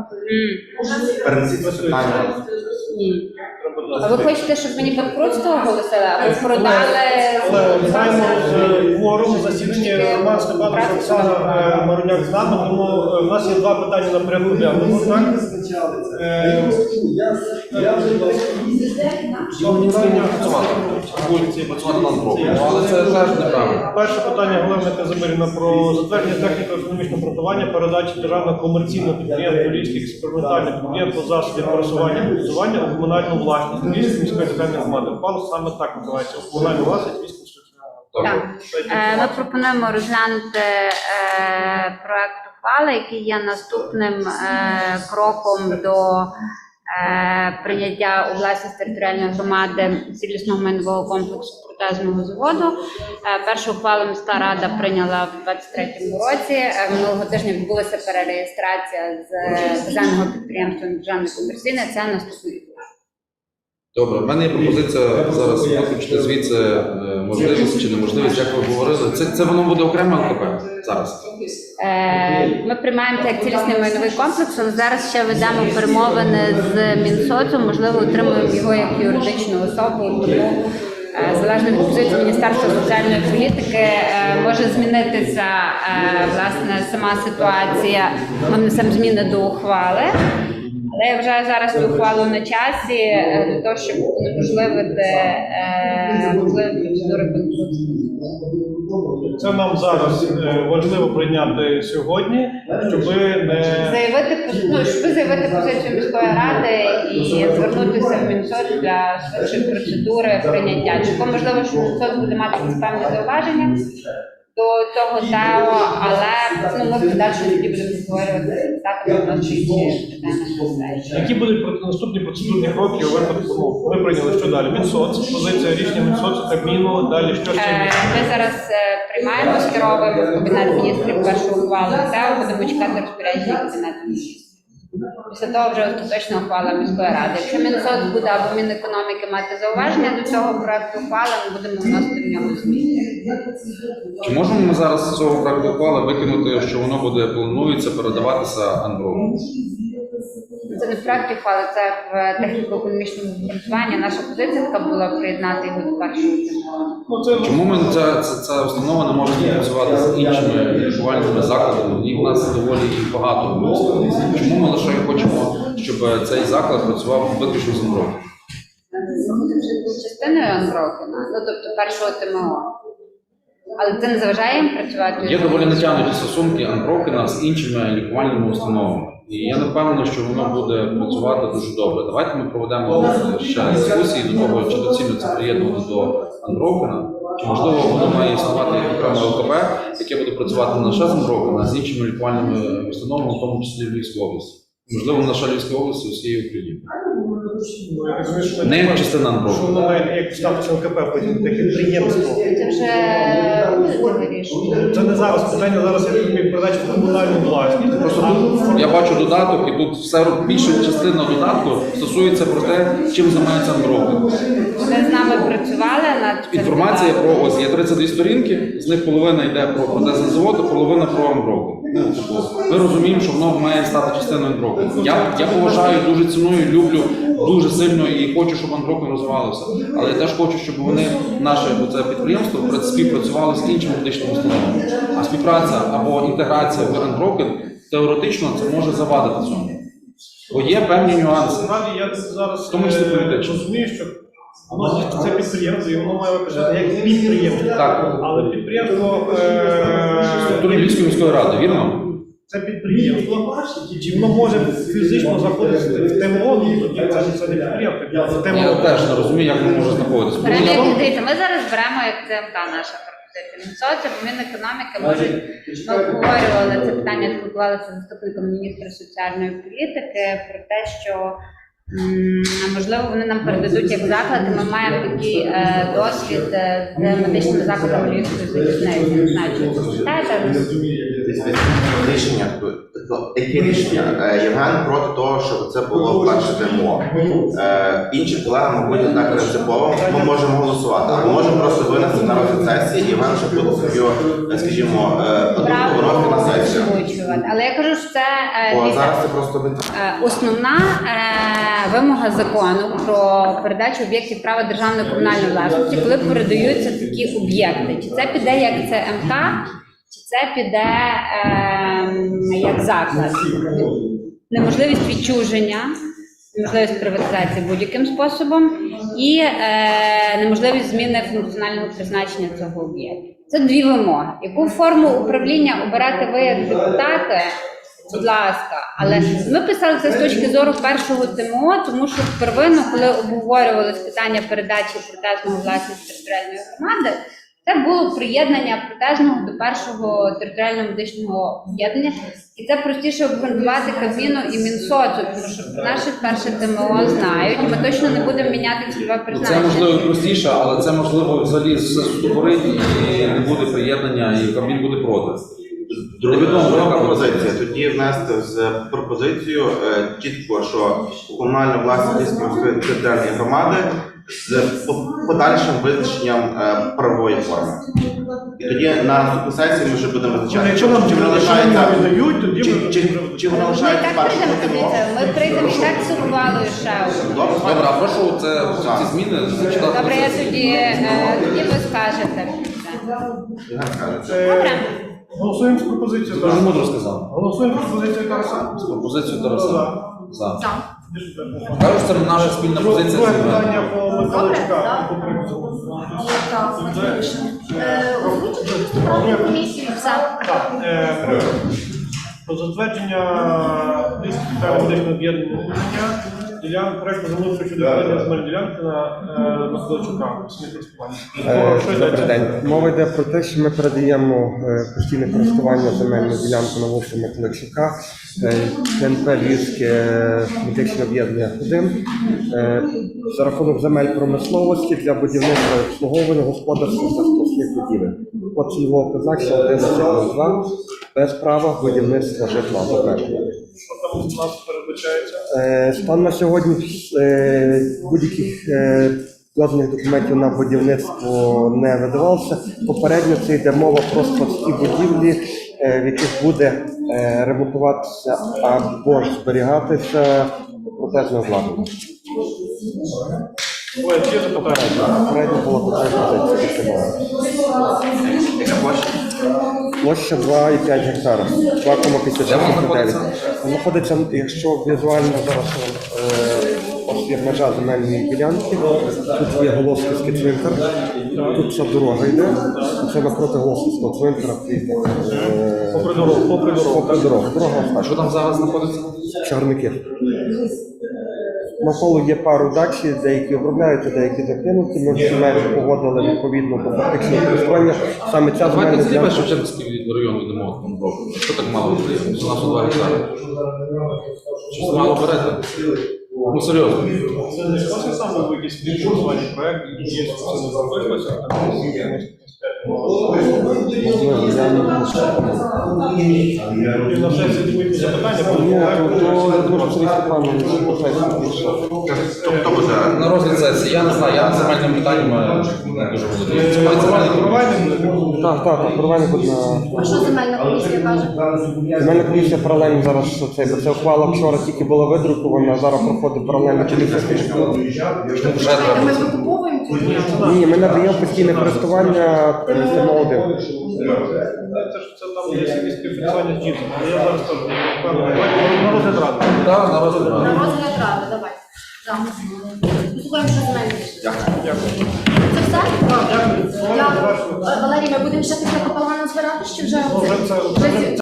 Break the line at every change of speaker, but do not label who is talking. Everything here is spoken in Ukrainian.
Перенесіть питання.
Ні. А ви хочете, щоб мені банкрутство оголосили, а ви продали...
Але маємо кворум засідання Роман Степанович, Оксана Маруняк з нами, тому в нас є два питання на порядку денному.
Але це теж неправильно.
Перше питання Галина Казимирівна про затвердження техніко-економічного обґрунтування передачі державного комерційного підприємства Львівських експериментальних підприємств засобів пересування і будування у комунальну власність Львівської міської територіальної громади. Пан саме так називається – комунальну власність Львівської міської
Так. Ми пропонуємо розглянути проект ухвали, який є наступним кроком до прийняття у власність територіальної громади цілісного майнового комплексу протезного заводу. Першу ухвалу міська рада прийняла в 2023 році. Минулого тижня відбулася перереєстрація з державного підприємства на державне комерційне. Це наступний.
Добре, в мене є пропозиція зараз виключити звідси можливість чи неможливість, як ви говорили. Це воно буде окремо ЛКП зараз?
Ми приймаємо це як цілісний майновий комплекс, але зараз ще ведемо перемовини з Мінсоцом, можливо, отримуємо його як юридичну особу, тому залежно від позиції Міністерства соціальної політики може змінитися власне сама ситуація. Ми внесемо зміни до ухвали. Але я вважаю зараз цю ухвалу на часі для того, щоб унеможливити процедури банкрутства.
Це нам зараз важливо прийняти сьогодні, щоб заявити
позицію міської ради і звернутися в Мінсоц для швидшої процедури прийняття. Чи можливо, що Мінсоц буде мати якісь певні зауваження до цього ТЕО, але ми в подальшому тоді будемо створювати питання.
Які будуть наступні процедурні кроки у випадку? Ми прийняли, що далі? Мінсоц, позиція рішення Мінсоцу, Кабміну, далі що ще?
Ми зараз приймаємо, скеровуємо в Кабінет міністрів першу ухвалу ТЕО, будемо чекати розпорядження Кабінету міністрів. Після того вже остаточна ухвала міської ради. Якщо Мінсоц буде або Мінекономіки мати зауваження до цього проекту ухвали, ми будемо вносити в нього зміни.
Чи можемо ми зараз з цього проекту ухвали викинути, що воно буде, планується передаватися Андрону?
Це не в проекті ухвали, це в техніко-економічному обґрунтуванні. Наша позиція така була приєднати його до першого читання.
Чому ми ця установа не може співпрацювати з іншими лікувальними закладами? І в нас доволі їх багато. Чому ми лише хочемо, щоб цей заклад працював виключно з Андрону?
Це був частиною Андрокіна, тобто першого ТМО. Але це не заважає їм працювати?
Є доволі натягнуті стосунки Андрокіна з іншими лікувальними установами. І я не впевнений, що воно буде працювати дуже добре. Давайте ми проведемо ще дискусії до того, чи доцільно це приєднувати до Андрокіна, чи можливо воно має існувати як окреме ЛКП, яке буде працювати не лише з Андрокіна, а з іншими лікувальними установами, в тому числі в Львівській області. Можливо, не лише Львівської області, усієї України. Не як частина Андрокіна.
Що воно має як статус ЛКП, потім таке підприємство.
Це вже вирішено.
Це не зараз. Питання зараз як передачі в комунальну власність.
Просто тут я бачу додаток, і тут все більша частина додатку стосується про те, чим займається Андрокін.
Вони з нами працювали над
Інформація про ось є 32 сторінки, з них половина йде про протезний завод, а половина про Андрокін. Ми розуміємо, що воно має стати частиною Андрокіну. Я поважаю, дуже ціную, люблю дуже сильно і хочу, щоб Андрокін розвивалося. Але я теж хочу, щоб вони, наше це підприємство, співпрацювали з іншими медичними установами. А співпраця або інтеграція в Андрокін теоретично це може завадити цьому. Бо є певні нюанси.
Я зараз
В тому числі політично.
розумію, що це підприємство, і воно має виглядати як підприємство.
Так.
Але підприємство...
Структури Львівської міської ради, вірно?
Це підприємство, чи воно може фізично заходити в ТМО, це не підприємство, в ТМО.
Я теж не розумію, як воно може знаходитися.
Дивіться, ми зараз беремо як ЦМК наша пропозиція. Мінсоці, бо Мінекономіки можуть, ми обговорювали це питання, спілкувалися з заступником міністра соціальної політики про те, що можливо вони нам передадуть як заклад, і ми маємо такий досвід з медичними закладами Львівської залізниці. Не знаю, чи ви пам'ятаєте.
Рішення Яке рішення? Євген проти того, щоб це було перше ТМО. Інші колеги, мабуть, не так принципово. Ми можемо голосувати, а ми можемо просто винести на розгляд сесії, Євген вже буде собі, скажімо, виносити на сесію.
озвучувати. Але я кажу, що це
Бо
дивіться,
зараз це просто
основна вимога закону про передачу об'єктів права державної комунальної власності, коли передаються такі об'єкти. Чи це піде як ЦМК, чи це піде як заклад. Неможливість відчуження, неможливість приватизації будь-яким способом і неможливість зміни функціонального призначення цього об'єкту. Це дві вимоги. Яку форму управління обирати ви як депутати, будь ласка. Але ми писали це з точки зору першого ТМО, тому що первинно, коли обговорювалось питання передачі протезного власності територіальної громади, це було приєднання протезного до першого територіального медичного об'єднання. І це простіше обґрунтувати Кабміну і Мінсоцу, тому що наше перше ТМО знають, і ми точно не будемо міняти цільове
Це
призначення.
можливо простіше, але це можливо взагалі все ступорить і не буде приєднання, і Кабмін буде проти.
Друга пропозиція. Тоді внести з пропозицією чітко, що комунальна власність Львівської міської територіальної громади з подальшим визначенням правової форми. І тоді на наступній сесії ми вже будемо визначати,
Якщо нам
чи вона лишається,
віддають, тоді
чи вона
Ми і
лишається
так
першим
прийдемо,
ТМО.
дивіться, ми прийдемо і так з ухвалою ще одну.
Добре, а прошу ці зміни зачитати.
Добре, я тоді ви скажете. Добре.
Голосуємо з пропозицією.
Дуже мудро сказав.
Голосуємо з пропозицією Тараса.
З пропозицією Тараса. За.
Так.
Кажуть, це наша спільна позиція.
Друге
з
питання
Євгеном.
по Михайловичка. Про затвердження Львівського територіального медичного об'єднання проєкту землеустрою щодо відведення земельної ділянки на Михайловичука.
Добрий день. Мова йде про те, що ми передаємо постійне користування земельну ділянку на вулиці Миколайчука, КНП Львівське медичне об'єднання 1, за рахунок земель промисловості для будівництва і обслуговування господарських та складських будівель. От цільового призначення 1102 без права будівництва житла.
Що там у нас передбачається?
Стан на сьогодні будь-яких дозвільних документів на будівництво не видавалося. Попередньо це йде мова про складські будівлі, в яких буде ремонтуватися або ж зберігатися протезне обладнання.
Ой, є запитання?
Попередньо була така позиція.
Яка площа?
Площа 2,5 гектара, 2,59. Знаходиться, якщо візуально зараз ось є межа земельної ділянки, тут є Голосківський цвинтар, тут ця дорога йде, це напроти Голосківського цвинтара.
Попри дорогу.
Дорога
А що там зараз знаходиться?
Чарники. Навколо є пару дачі, деякі обробляються, деякі закинуті. Ми всі межі погодили відповідно до фактичного користування. Саме ця
Давайте
земельна
зліва
ділянка.
Шевченківський район йдемо. Що так мало буде? У нас у 2 гектари. Щось мало берете? Ну серйозно.
Це саме був якийсь фінансування проєкт, і є це не зробилося. І на сесії будуть запитання,
Хто буде?
На розгляд сесії, я не знаю, я земельним питанням не дуже володію. Це має земельний
Так, паралельно буде на...
А що земельна комісія каже?
Земельна комісія паралельно зараз, бо це ухвала вчора тільки була видрукована, а зараз проходить паралельна комісія.
Ми викуповуємо цю ділянку?
Ні, ми надаємо постійне користування ТМО-1.
Це там є якісь співфінансування з ДІСом, але я зараз теж не впевнений. На розгляд ради.
Так, на розгляд.
На розгляд ради, давай. Послухаємо, що земельна.
Дякую.
Це все?
Дякую.
Валерій, ми будемо ще після капелана збирати, чи вже?
Вже це